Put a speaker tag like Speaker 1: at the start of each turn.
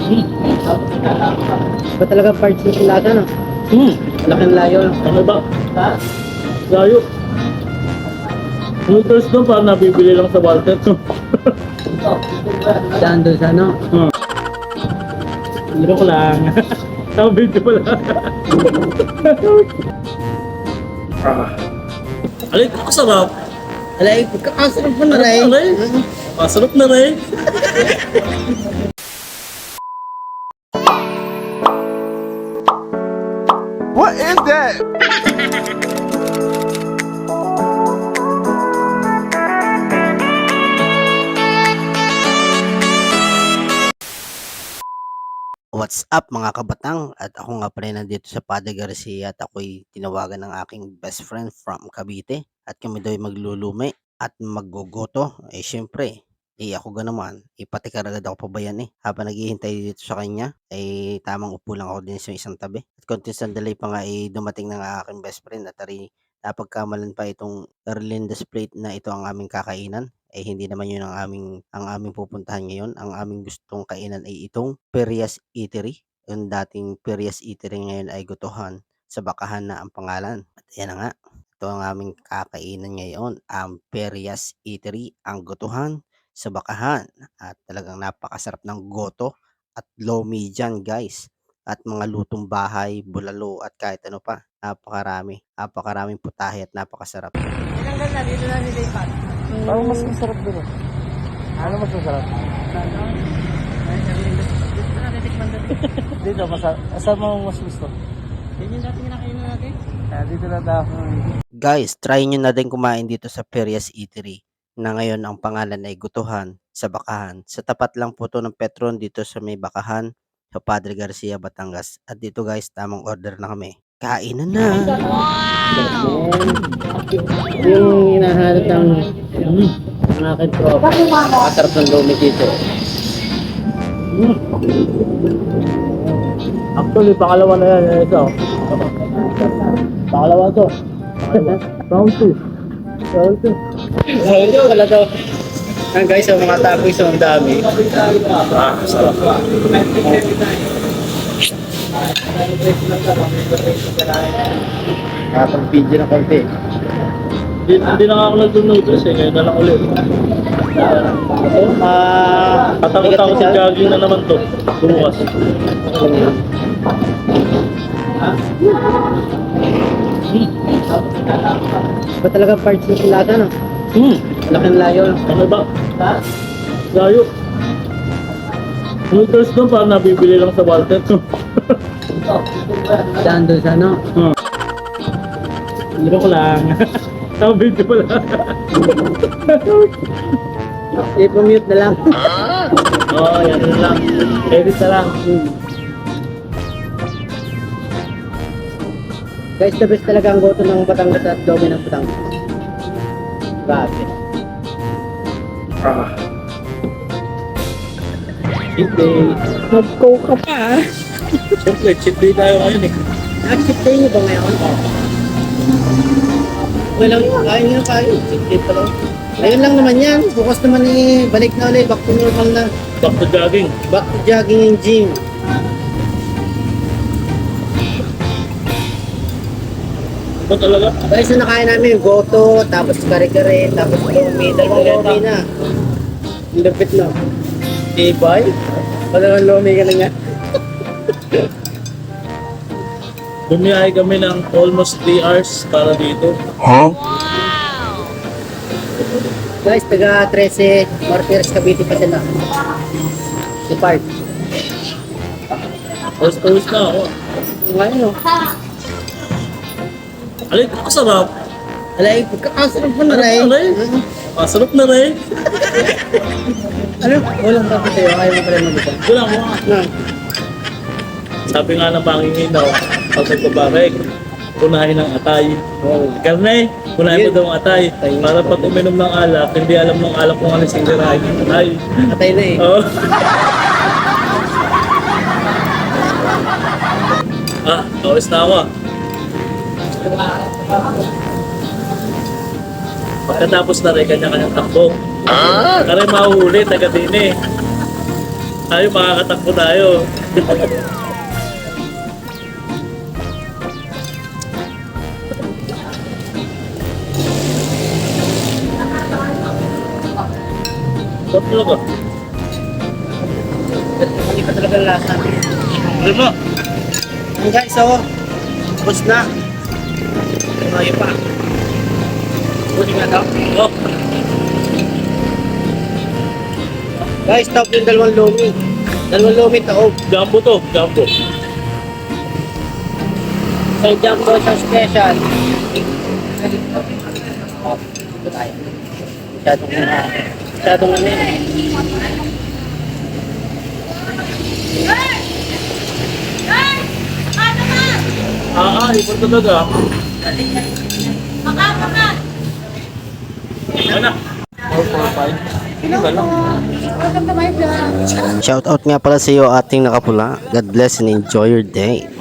Speaker 1: Ba talaga parts ng silata, no? Laking layo.
Speaker 2: Ano ba? Layo. Noodles doon parang nabibili lang sa Walter.
Speaker 1: Daan doon sa ano?
Speaker 2: Laro ko lang. Tama video pala. Alay, kasarap.
Speaker 1: Alay, pagkakasarap mo na rin.
Speaker 2: Masarap na rin.
Speaker 3: What is that?
Speaker 4: What's up mga kabatang? At ako nga pala nandito sa Padre Garcia at ako'y tinawagan ng aking best friend from Cavite at kami daw ay maglulume at maggogoto. Syempre, ako ga naman, patikar agad ako pa ba yan Habang naghihintay dito sa kanya, tamang upo lang ako din sa isang tabi. At konting sandali pa nga dumating ng aking best friend at napagkamalan pa itong Erlinda's Plate na ito ang aming kakainan. Hindi naman yun ang aming pupuntahan ngayon. Ang aming gustong kainan ay itong Perias Eatery. Yung dating Perias Eatery ngayon ay Gutuhan sa Bakahan na ang pangalan. At yan na nga, ito ang aming kakainan ngayon, ang Perias Eatery, ang Gutuhan sa Bakahan. At talagang napakasarap ng goto at lomi dyan guys. At mga lutong bahay, bulalo at kahit ano pa. Napakaraming putahe at napakasarap.
Speaker 1: Tinanggal na, dito na nilipat.
Speaker 2: Ano mas masarap doon? Ano mas masarap? Dito, saan mo mas gusto?
Speaker 1: Yan yung dati kinakainan natin.
Speaker 2: Dito na daw.
Speaker 4: Guys, try nyo na din kumain dito sa Perias Eatery na ngayon ang pangalan ay Gutuhan sa Bakahan. Sa tapat lang po to ng Petron dito sa may Bakahan sa Padre Garcia, Batangas. At dito guys, tamang order na kami. Kainan na!
Speaker 1: Yung hinahanap ng aking tropa. Masarap ng lumi dito.
Speaker 2: Actually, pangalawa na yan. Ito. Pangalawa to. Round 2. Round 2.
Speaker 1: Ito, wala daw. Guys, ang mga tapoy ang dami.
Speaker 2: Sarap.
Speaker 1: Nakapag-video ng konti.
Speaker 2: Hindi na ako nag-noodles ngayon na lang ulit. Tatakot ako sa jogging na naman to. Bumukas.
Speaker 1: Ba talaga parts ng silata, no? Laking layo.
Speaker 2: Ano ba? Layo. Noodles doon parang nabibili lang sa Walter.
Speaker 1: Daan doon sa ano?
Speaker 2: Laro ko lang. Tama video pala.
Speaker 1: I-mute na lang.
Speaker 2: Oo, yan na lang. Edit na lang.
Speaker 1: Guys, the best talaga ang goto ng Batangas at Domi ng Batangas. Grabe.
Speaker 2: Cheat day.
Speaker 1: Mag-go ka pa.
Speaker 2: Siyempre, cheat day tayo ngayon
Speaker 1: Accept tayo niyo ba ngayon? Walang kain nga kayo. Accept tayo pa lang. Ayun lang naman yan. Bukas naman balik na ulit. Back to normal na.
Speaker 2: Back to jogging.
Speaker 1: Back to jogging and gym.
Speaker 2: Ba talaga?
Speaker 1: Guys, na nakain namin goto, tapos kare-kare, tapos lomi. Dalawang lomi na. Ang lapit na.
Speaker 2: Ibay?
Speaker 1: Dalawang lomi ka na nga.
Speaker 2: Bumiyahe kami ng almost 3 hours para dito.
Speaker 1: Guys, taga 13 Martires Cavite pa sila. Si Park.
Speaker 2: First na ako.
Speaker 1: Ngayon, no?
Speaker 2: Alay, kasarap.
Speaker 1: Alay, pagkakasarap mo na rin.
Speaker 2: Masarap na rin.
Speaker 1: Ano? Walang tapos sa'yo. Ayaw mo pala mag-isa.
Speaker 2: Wala mo.
Speaker 1: No.
Speaker 2: Sabi nga ng pangingin daw, pag nagbabarek, punahin ng atay. Karne, punahin mo daw ang atay. Para pag uminom ng alak, hindi alam ng alak kung ano singirahin ng atay.
Speaker 1: Atay na eh.
Speaker 2: Oo. Kawis na ako. Pagkatapos na rin, kanya-kanyang takbo. Kaya mahuhuli, taga din eh. Tayo, makakatakbo tayo. Sarap talaga.
Speaker 1: Hindi pa talaga lasa.
Speaker 2: Ano ba?
Speaker 1: Ang guys, oh. Tapos na. Tumayo pa. Buti nga daw.
Speaker 2: Oh,
Speaker 1: Guys, top yung dalawang lomi. Dalawang lomi taob.
Speaker 2: jumbo to, jumbo.
Speaker 1: Sa jumbo sa special. Oh, ito tayo. Masyadong ano yun.
Speaker 2: Iba talaga. Ano? 445. Hindi ka lang.
Speaker 4: Shoutout nga pala sa iyo ating nakapula. God bless and enjoy your day.